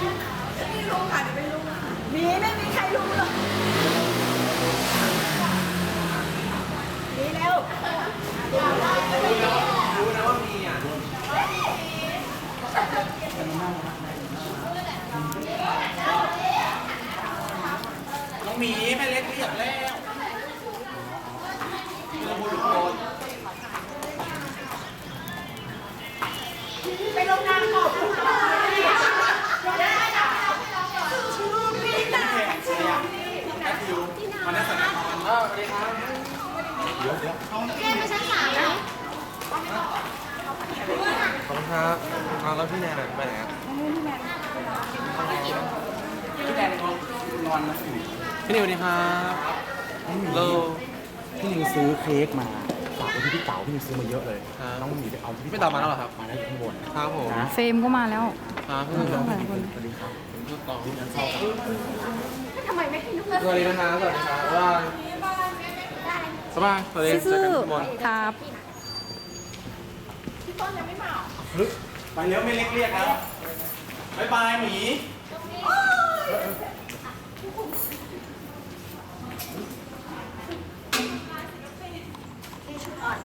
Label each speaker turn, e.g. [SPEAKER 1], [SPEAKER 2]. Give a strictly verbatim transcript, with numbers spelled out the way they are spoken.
[SPEAKER 1] ไม่รู้ค่ะไม่รู้มีไม่มีใครรู้หรอกมีแล้ว
[SPEAKER 2] รู้นะว่ามีอ่ะน้องหมีแม่เล็กเรียบแล้วเราบุรุษโดน
[SPEAKER 1] ไปลงนามบอกคุณพ่อได้ค่ะชูพี่ตาชูพี่
[SPEAKER 2] แอดฟิวมาแน่สนามสวัสดีครับเดี๋ยวเดี๋ยว
[SPEAKER 3] เรียนไปชั้นสามไหม
[SPEAKER 2] ขอบคุณครับเอาแล้วพี่แนนไปไหนครับพี่แนนนอนนะพี่นิวสวัสดีครับโล
[SPEAKER 4] พี่นิวซื้อเค้กมาฝากไว้ที่พี่เต๋าพี่นิวซื้อมาเยอะเลยน้องหมีไปเอาที่
[SPEAKER 2] พี่เต๋ามาแล้วเหรอครับ
[SPEAKER 4] มาแล้วอยู่ข้างบน
[SPEAKER 2] ครับผม
[SPEAKER 4] นะ
[SPEAKER 5] เฟรมก็มาแล้ว
[SPEAKER 2] ครับพี่
[SPEAKER 5] มา
[SPEAKER 2] นิว
[SPEAKER 5] หลายคน
[SPEAKER 4] สวัสดีครับ
[SPEAKER 2] พี่ต่อ
[SPEAKER 1] ทำไมไม่ให้ลูก
[SPEAKER 2] สวัสดีนะครับสวัสดีครับบ๊ายบายสบายสวัสดีเจ
[SPEAKER 5] ซื่
[SPEAKER 2] อ
[SPEAKER 5] อ
[SPEAKER 2] กันทุกคน
[SPEAKER 5] ๆครับ
[SPEAKER 1] พี่ต้นยังไม่มา
[SPEAKER 2] ไปเร็วไม่เล็กเรียกแล้วบ๊ายบายหมี
[SPEAKER 1] โอ้ย